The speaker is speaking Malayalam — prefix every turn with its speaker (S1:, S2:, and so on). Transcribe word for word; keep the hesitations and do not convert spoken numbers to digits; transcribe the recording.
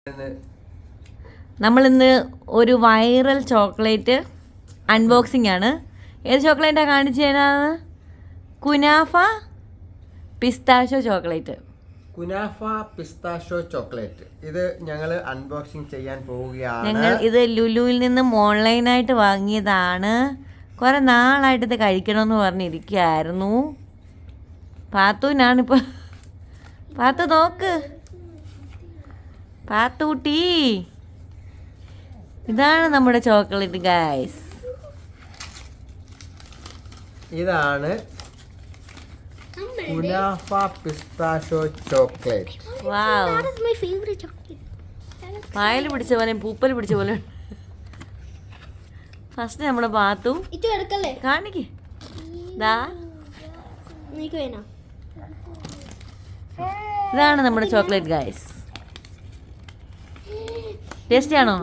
S1: നമ്മളിന്ന് ഒരു വൈറൽ ചോക്ലേറ്റ് അൺബോക്സിംഗ് ആണ്. ഏത് ചോക്ലേറ്റാണ് കാണിച്ചു തരാന്ന്? കുനാഫ പിസ്താഷോ ചോക്ലേറ്റ്.
S2: കുനാഫ പിസ്താഷോ ചോക്ലേറ്റ് ഇത് ഞങ്ങൾ അൺബോക്സിംഗ് ചെയ്യാൻ പോവുകയാണ്.
S1: ഞങ്ങൾ ഇത് ലുലുവിൽ നിന്നും ഓൺലൈനായിട്ട് വാങ്ങിയതാണ്. കുറെ നാളായിട്ട് ഇത് കഴിക്കണമെന്ന് പറഞ്ഞിരിക്കുകയായിരുന്നു. പാത്തുവിനാണിപ്പോൾ. പാത്തു നോക്ക്, പാത്തൂട്ടി, ഇതാണ് നമ്മുടെ ചോക്ലേറ്റ് ഗൈസ്.
S2: ഇതാണ് കുനാഫ പിസ്താഷോ ചോക്ലേറ്റ്.
S1: വാവ്, പായൽ പിടിച്ച പോലെ പൂപ്പൽ പിടിച്ച പോലെ. ഫസ്റ്റ് നമ്മുടെ പാത്തു കാണിക്ക്. ഇതാണ് നമ്മുടെ ചോക്ലേറ്റ് ഗൈസ്. ടേസ്റ്റി ആണോ?